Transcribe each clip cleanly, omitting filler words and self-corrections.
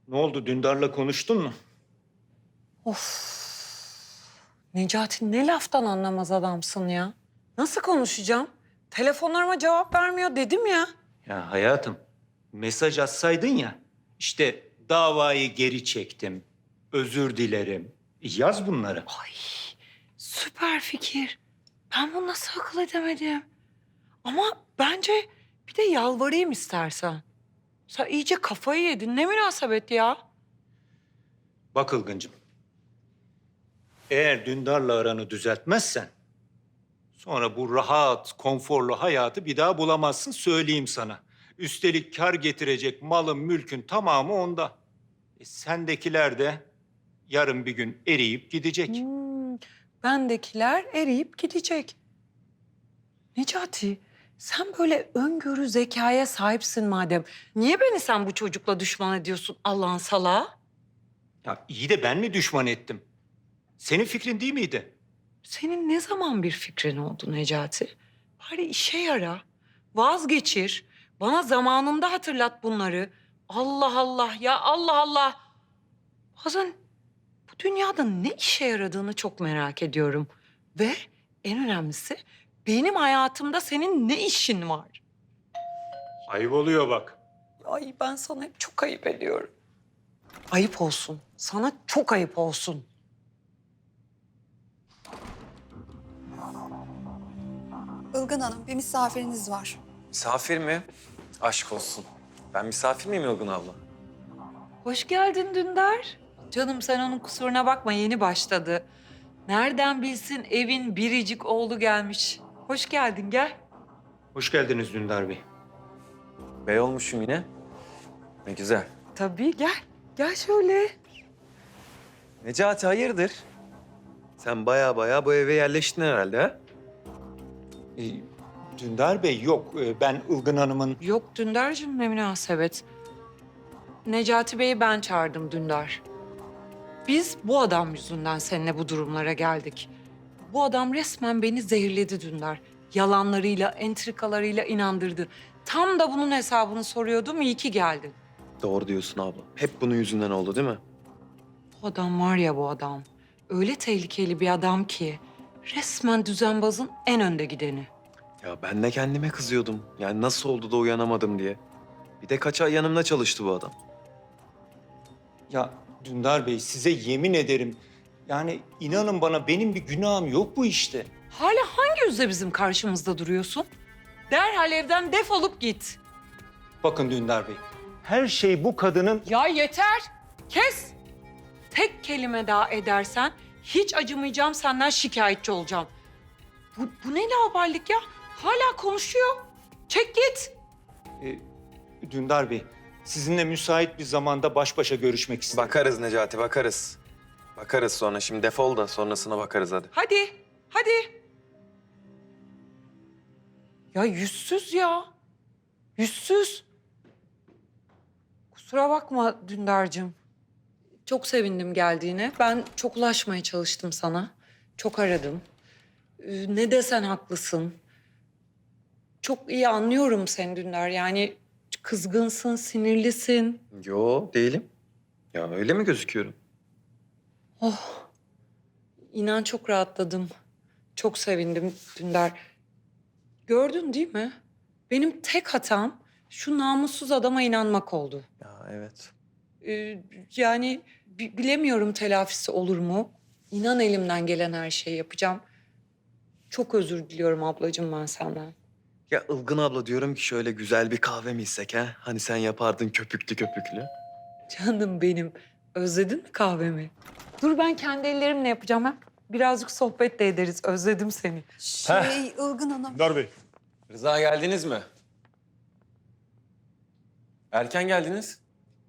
Ne oldu? Dündar'la konuştun mu? Of. Necati ne laftan anlamaz adamsın ya. Nasıl konuşacağım? Telefonlarıma cevap vermiyor dedim ya. Ya hayatım, mesaj atsaydın ya. İşte davayı geri çektim. Özür dilerim. Yaz bunları. Ay süper fikir. Ben bunu nasıl akıl edemedim? Ama bence bir de yalvarayım istersen. Sen iyice kafayı yedin. Ne münasebet ya? Bak Ilgıncığım. Eğer Dündar'la aranı düzeltmezsen... sonra bu rahat, konforlu hayatı bir daha bulamazsın söyleyeyim sana. Üstelik kar getirecek malın, mülkün tamamı onda. Sendekiler de yarın bir gün eriyip gidecek. Bendekiler eriyip gidecek. Necati, sen böyle öngörü zekaya sahipsin madem. Niye beni sen bu çocukla düşman ediyorsun Allah'ın salağı? Ya iyi de ben mi düşman ettim? Senin fikrin değil miydi? Senin ne zaman bir fikrin oldu Necati? Bari işe yara. Vazgeçir. Bana zamanında hatırlat bunları. Allah Allah ya Allah Allah. Bazen bu dünyada ne işe yaradığını çok merak ediyorum. Ve en önemlisi benim hayatımda senin ne işin var? Ayıp oluyor bak. Ay ben sana hep çok ayıp ediyorum. Ayıp olsun. Sana çok ayıp olsun. Ilgın Hanım, bir misafiriniz var. Misafir mi? Aşk olsun. Ben misafir miyim Ilgın abla? Hoş geldin Dündar. Canım sen onun kusuruna bakma yeni başladı. Nereden bilsin evin biricik oğlu gelmiş. Hoş geldin gel. Hoş geldiniz Dündar Bey. Bey olmuşum yine. Ne güzel. Tabii gel. Gel şöyle. Necati hayırdır? Sen baya bu eve yerleştin herhalde ha? Ee, Dündar Bey yok. Ben Ilgın Hanım'ın... Yok Dündar'cığım ne münasebet. Necati Bey'i ben çağırdım Dündar. Biz bu adam yüzünden seninle bu durumlara geldik. Bu adam resmen beni zehirledi Dündar. Yalanlarıyla, entrikalarıyla inandırdı. Tam da bunun hesabını soruyordum, iyi ki geldin. Doğru diyorsun abla. Hep bunun yüzünden oldu değil mi? Bu adam var ya bu adam. Öyle tehlikeli bir adam ki. Resmen düzenbazın en önde gideni. Ya ben de kendime kızıyordum. Yani nasıl oldu da uyanamadım diye. Bir de kaç ay yanımda çalıştı bu adam. Ya Dündar Bey size yemin ederim... yani inanın bana benim bir günahım yok bu işte. Hala hangi yüzle bizim karşımızda duruyorsun? Derhal evden defolup git. Bakın Dündar Bey, her şey bu kadının... Ya yeter. Kes. Tek kelime daha edersen hiç acımayacağım senden şikayetçi olacağım. Bu ne laubalilik ya? Hala konuşuyor. Çek git. e, Dündar Bey, sizinle müsait bir zamanda baş başa görüşmek istedim. Bakarız Necati bakarız. Bakarız sonra. Şimdi defol da sonrasına bakarız hadi. Hadi, hadi. Ya yüzsüz ya. Yüzsüz. Kusura bakma Dündar'cığım. Çok sevindim geldiğine. Ben çok ulaşmaya çalıştım sana. Çok aradım. Ne desen haklısın. Çok iyi anlıyorum seni Dündar. Yani kızgınsın, sinirlisin. Yo değilim. Ya öyle mi gözüküyorum? Oh, inan çok rahatladım. Çok sevindim Dündar. Gördün değil mi? Benim tek hatam şu namussuz adama inanmak oldu. Ya evet. Yani bilemiyorum telafisi olur mu? İnan elimden gelen her şeyi yapacağım. Çok özür diliyorum ablacığım ben senden. Ya Ilgın abla diyorum ki şöyle güzel bir kahve mi içsek ha? Hani sen yapardın köpüklü köpüklü. Canım benim. Özledin mi kahvemi? Dur ben kendi ellerimle yapacağım ha. Birazcık sohbet de ederiz. Özledim seni. Ilgın Hanım. Dündar Bey. Rıza geldiniz mi? Erken geldiniz.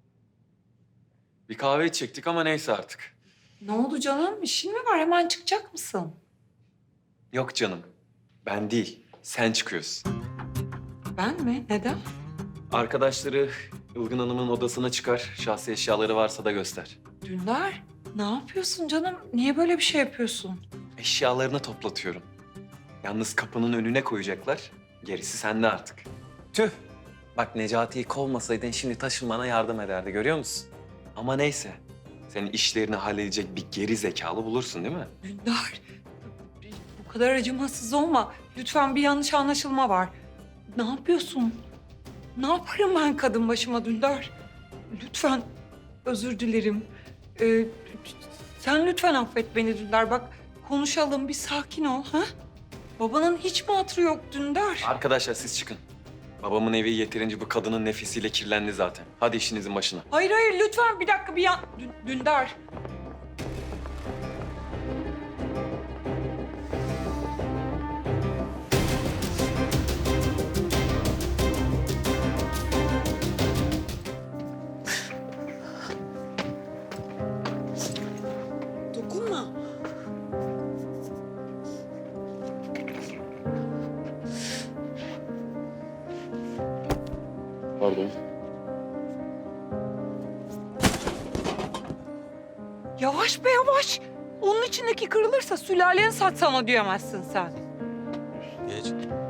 Bir kahve içecektik ama neyse artık. Ne oldu canım? İşin mi var? Hemen çıkacak mısın? Yok canım. Ben değil. Sen çıkıyorsun. Ben mi? Neden? Arkadaşları Ilgın Hanım'ın odasına çıkar. Şahsi eşyaları varsa da göster. Dündar, ne yapıyorsun canım? Niye böyle bir şey yapıyorsun? Eşyalarını toplatıyorum. Yalnız kapının önüne koyacaklar. Gerisi sende artık. Tüh. Bak Necati'yi kovmasaydın şimdi taşınmana yardım ederdi. Görüyor musun? Ama neyse. Senin işlerini halledecek bir geri zekalı bulursun değil mi? Dündar, bu kadar acımasız olma. Lütfen, bir yanlış anlaşılma var. Ne yapıyorsun? Ne yaparım ben kadın başıma Dündar? Lütfen, özür dilerim. Sen lütfen affet beni Dündar. Bak, konuşalım, bir sakin ol. Ha? Babanın hiç mi hatırı yok Dündar? Arkadaşlar siz çıkın. Babamın evi yeterince bu kadının nefesiyle kirlendi zaten. Hadi işinizin başına. Hayır hayır, lütfen bir dakika, Dündar. Dokunma. Pardon. Yavaş be yavaş. Onun içindeki kırılırsa sülalen satsam ödeyemezsin sen. Geç.